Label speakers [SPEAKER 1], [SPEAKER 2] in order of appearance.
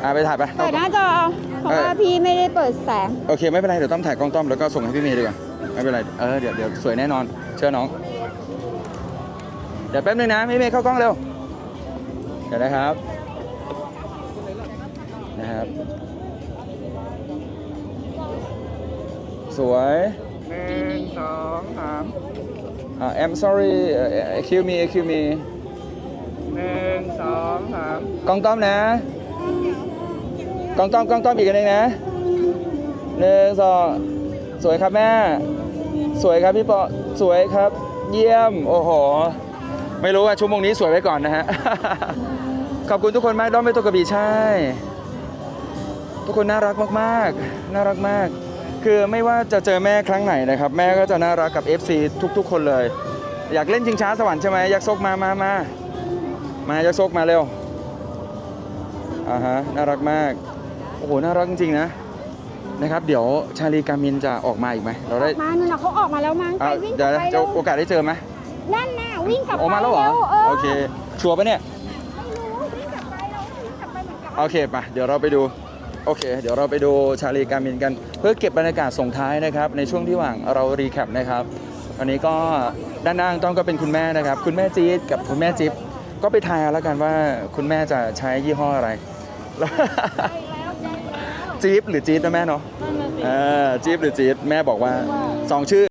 [SPEAKER 1] ไปถ่ายไป
[SPEAKER 2] เปิดหน้าจอเพราะว่าพี่ไม่ได้เปิดแสง
[SPEAKER 1] โอเคไม่เป็นไรเดี๋ยวต้อมถ่ายกล้องต้อมแล้วก็ส่งให้พี่เมย์ดีกว่าไม่เป็นไรเดี๋ยวสวยแน่นอนเชื่อน้องเดี๋ยวแป๊บนึงนะพี่เมย์เข้ากล้องเร็วเดี๋ยวนะครับสวย1 2 3 I'm sorry excuse me 1 2 3กล้องต้อมนะกล้องต้อมอีกอันหนึ่งนะ1 2สวยครับแม่สวยครับพี่ปอสวยครับเยี่ยมโอ้โหไม่รู้ว่าชั่วโมงนี้สวยไว้ก่อนนะฮะ ขอบคุณทุกคนมากด้อมไม่ตกกระบี่ใช่ทุกคนน่ารักมากๆน่ารักมากคือไม่ว่าจะเจอแม่ครั้งไหนนะครับแม่ก็จะน่ารักกับ FC ทุกๆคนเลยอยากเล่นชิงช้าสวรรค์ใช่ไหมยักษ์ซกมายักษ์ซกมาเร็วฮะน่ารักมากโอ้โหน่ารักจริงๆนะครับเดี๋ยวชาลีกามินจะออกมาอีกไหมเราได้
[SPEAKER 2] มานู่นเขาออกมาแล้วมั้งไปวิ่งกลับไป
[SPEAKER 1] จะโอกาสได้เจอไหม
[SPEAKER 2] นั่นน่ะวิ่งกลับไป
[SPEAKER 1] ออกมาแล้วเหรอโอเคชัวร์ปะเนี่ย
[SPEAKER 2] ไม่รู้วิ่งกลับไปเราวิ่งกลับไปเหมือนกัน
[SPEAKER 1] โอเคป่ะเดี๋ยวเราไปดูโอเคเดี๋ยวเราไปดูชาลีกามินกันเพื่อเก็บบรรยากาศส่งท้ายนะครับในช่วงที่หว่างเรารีแคปนะครับวันนี้ก็ด้านล่างต้องก็เป็นคุณแม่นะครับคุณแม่จี๊ดกับคุณแม่จิ๊บก็ไปทายเอาแล้วกันว่าคุณแม่จะใช้ยี่ห้ออะไร จี๊บหรือจี๊ดนะแม่เนาะจี๊บหรือจี๊ดแม่บอกว่า2 ชื่อ